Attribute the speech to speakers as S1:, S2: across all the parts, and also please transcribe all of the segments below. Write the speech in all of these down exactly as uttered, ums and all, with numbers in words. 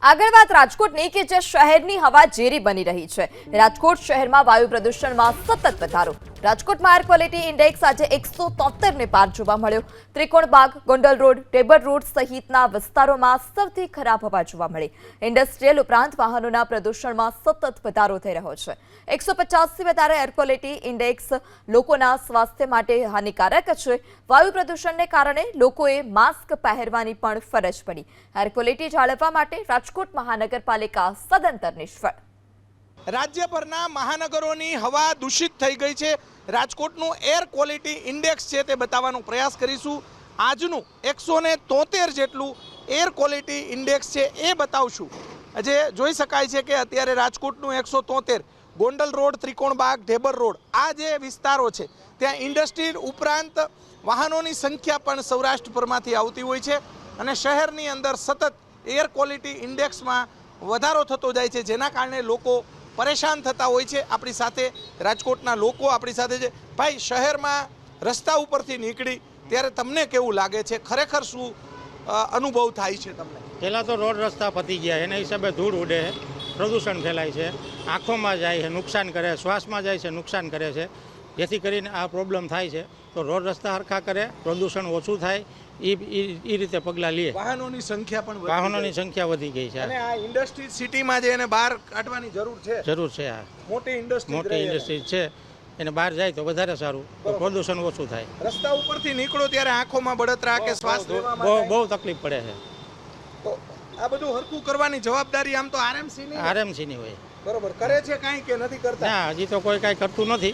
S1: આગળ વાત રાજકોટની કે જે શહેરની હવા ઝેરી બની રહી છે। રાજકોટ શહેરમાં વાયુ પ્રદૂષણમાં સતત વધારો। રાજકોટમાં એર ક્વોલિટી ઇન્ડેક્સ આજે એકસો તોતેર ને પાર જોવા મળ્યો। ત્રિકોણબાગ, ગોંડલ રોડ, ટેબર રોડ સહિતના વિસ્તારોમાં સૌથી ખરાબ હવા જોવા મળી। ઇન્ડસ્ટ્રીયલ ઉપરાંત વાહનોના પ્રદૂષણમાં સતત વધારો થઈ રહ્યો છે। એકસો પચાસથી વધારે એર ક્વોલિટી ઇન્ડેક્સ લોકોના સ્વાસ્થ્ય માટે હાનિકારક છે। વાયુ પ્રદૂષણને કારણે લોકોએ માસ્ક પહેરવાની પણ ફરજ પડી। એર ક્વોલિટી જાળવવા માટે રાજકોટ મહાનગરપાલિકા સદંતર નિષ્ફળ।
S2: રાજ્યભરના મહાનગરોની હવા દૂષિત થઈ ગઈ છે। રાજકોટનું એર ક્વોલિટી ઇન્ડેક્સ છે તે બતાવવાનો પ્રયાસ કરીશું। આજનું એકસો ને તોતેર જેટલું એર ક્વોલિટી ઇન્ડેક્સ છે એ બતાવશું। જે જોઈ શકાય છે કે અત્યારે રાજકોટનું એકસો તોતેર, ગોંડલ રોડ, ત્રિકોણબાગ, ઢેબર રોડ આ જે વિસ્તારો છે ત્યાં ઇન્ડસ્ટ્રી ઉપરાંત વાહનોની સંખ્યા પણ સૌરાષ્ટ્રભરમાંથી આવતી હોય છે અને શહેરની અંદર સતત એર ક્વોલિટી ઇન્ડેક્સમાં વધારો થતો જાય છે, જેના કારણે લોકો પરેશાન થતા હોય છે। આપણી સાથે રાજકોટના લોકો આપણી સાથે છે। ભાઈ, શહેરમાં રસ્તા ઉપરથી નીકળી ત્યારે તમને કેવું લાગે છે? ખરેખર શું અનુભવ થાય છે તમને?
S3: પહેલાં તો રોડ રસ્તા પતી ગયા, એના હિસાબે ધૂળ ઉડે છે, પ્રદૂષણ ફેલાય છે, આંખોમાં જાય છે નુકસાન કરે, શ્વાસમાં જાય છે નુકસાન કરે છે, જેથી કરીને આ પ્રોબ્લેમ થાય છે। તો રોડ રસ્તા હરખા કરે, પ્રદૂષણ ઓછું થાય એ એ રીતે પગલાં લે।
S2: વાહનોની સંખ્યા પણ
S3: વાહનોની સંખ્યા વધી ગઈ છે
S2: અને આ ઇન્ડસ્ટ્રી સિટીમાં જે એને બહાર કાઢવાની જરૂર છે
S3: જરૂર છે આ
S2: મોટી ઇન્ડસ્ટ્રી
S3: મોટી ઇન્ડસ્ટ્રી છે એને બહાર જાય તો વધારે સારું, તો પ્રદૂષણ ઓછું થાય।
S2: રસ્તા ઉપરથી નીકળો ત્યારે આંખોમાં બળતરા કે શ્વાસ લેવામાં
S3: બહુ બહુ તકલીફ પડે છે।
S2: તો આ બધું હરખું કરવાની જવાબદારી આમ તો આરએમસી ની
S3: આરએમસી ની હોય।
S2: બરોબર, કરે છે કાંઈ કે નથી કરતા?
S3: ના, હજી તો કોઈ કાંઈ કરતું નથી,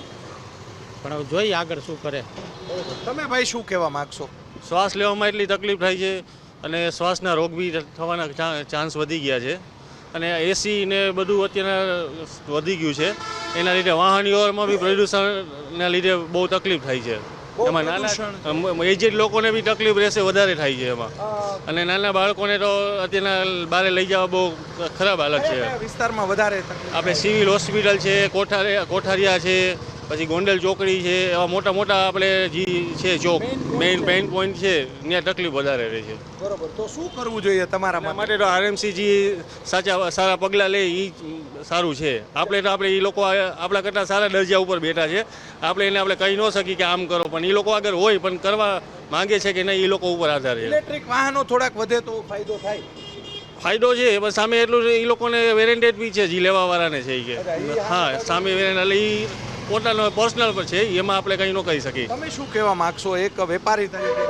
S3: પણ હવે જોઈએ આગળ શું કરે।
S2: તમે ભાઈ શું કહેવા માંગશો?
S4: શ્વાસ લેવામાં એટલી તકલીફ થાય છે અને શ્વાસના રોગ બી થવાના ચાન્સ વધી ગયા છે અને એસી ને બધું અત્યારે વધી ગયું છે, એના લીધે વાહન વ્યવહારમાં બી પ્રદૂષણના લીધે બહુ તકલીફ થાય છે। એમાં નાના એજેડ લોકોને બી તકલીફ રહેશે, વધારે થાય છે એમાં, અને નાના બાળકોને તો અત્યારના બહાર લઈ જવા બહુ ખરાબ હાલત છે।
S2: વિસ્તારમાં વધારે
S4: આપણે સિવિલ હોસ્પિટલ છે, કોઠારિયા કોઠારિયા છે, પછી ગોંડલ ચોકડી છે, એવા મોટા મોટા આપણે જે છે ચોક મેઇન મેઇન પોઈન્ટ છે ત્યાં તકલીફ વધારે રહે છે।
S2: બરોબર, તો શું કરવું જોઈએ તમારા
S4: માટે? તો આરએમસી જે સાચા સારા પગલાં લે એ સારું છે। આપણે તો આપણે એ લોકો આપણા કરતાં સારા દરજા ઉપર બેઠા છે, આપણે એને આપણે કહી ન શકીએ કે આમ કરો, પણ એ લોકો આગળ હોય પણ કરવા માંગે છે કે નહીં, એ લોકો ઉપર આધાર છે।
S2: ઇલેક્ટ્રિક વાહનો થોડાક વધે તો ફાયદો થાય?
S4: ફાયદો છે, પણ સામે એટલું એ લોકોને વેરેન્ટેડ બી છે, જે લેવાવાળાને છે એ કે હા સામે વેરેન્ટ એ પોતાનો પર્સનલ પર છે, એમાં આપણે કંઈ ન કહી શકીએ।
S2: તમે શું કહેવા માંગશો એક વેપારી તરીકે?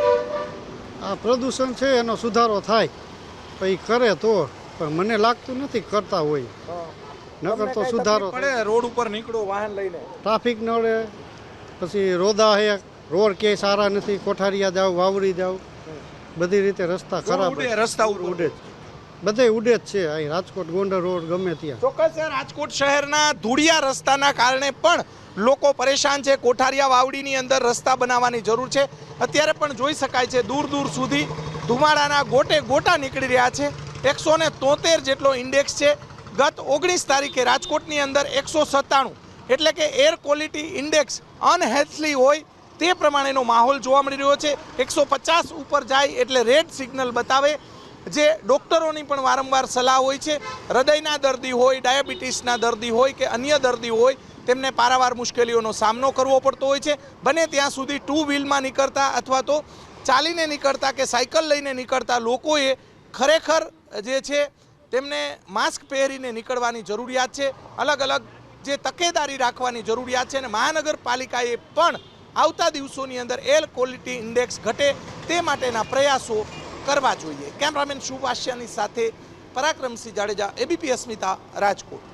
S5: આ પ્રદૂષણ છે એનો સુધારો થાય પછી કરે તો, પણ મને લાગતું નથી કરતા હોય, ન કરતો સુધારો
S2: પડે। રોડ ઉપર નીકળો વાહન લઈને,
S5: ટ્રાફિક નડે, પછી રોદા હે, રોડ ક્યાંય સારા નથી, કોઠારિયા જાવ, વાવડી જાવ, બધી રીતે રસ્તા ખરાબ,
S2: રસ્તા ઉડે
S5: બધે ઉડે જ છે। અહીં રાજકોટ ગોંડલ રોડ ગમે ત્યાં
S2: ચોક્કસ રાજકોટ શહેરના ધૂળિયા રસ્તાના કારણે પણ લોકો પરેશાન છે। કોઠારિયા વાવડીની અંદર રસ્તા બનાવવાની જરૂર છે। અત્યારે પણ જોઈ શકાય છે દૂર દૂર સુધી ધુમાડાના ગોટે ગોટા નીકળી રહ્યા છે। એકસો ને તોતેર જેટલો ઇન્ડેક્સ છે। ગત ઓગણીસ તારીખે રાજકોટની અંદર એકસો સત્તાણું એટલે કે એર ક્વોલિટી ઇન્ડેક્સ અનહેલ્થલી હોય તે પ્રમાણેનો માહોલ જોવા મળી રહ્યો છે। એકસો પચાસ ઉપર જાય એટલે રેડ સિગ્નલ બતાવે, જે ડૉક્ટરોની પણ વારંવાર સલાહ હોય છે। હૃદયના દર્દી હોય, ડાયાબિટીસના દર્દી હોય કે અન્ય દર્દી હોય, તેમને પારાવાર મુશ્કેલીઓનો સામનો કરવો પડતો હોય છે। બને ત્યાં સુધી ટુ વ્હીલમાં નીકળતા અથવા તો ચાલીને નીકળતા કે સાયકલ લઈને નીકળતા લોકોએ ખરેખર જે છે તેમને માસ્ક પહેરીને નીકળવાની જરૂરિયાત છે। અલગ અલગ જે તકેદારી રાખવાની જરૂરિયાત છે અને મહાનગરપાલિકાએ પણ આવતા દિવસોની અંદર એર ક્વોલિટી ઇન્ડેક્સ ઘટે તે માટેના પ્રયાસો કરવા જોઈએ। કેમેરામેન શુભાષ્યાની સાથે પરાક્રમસિંહ જાડેજા, એબીપી અસ્મિતા, રાજકોટ।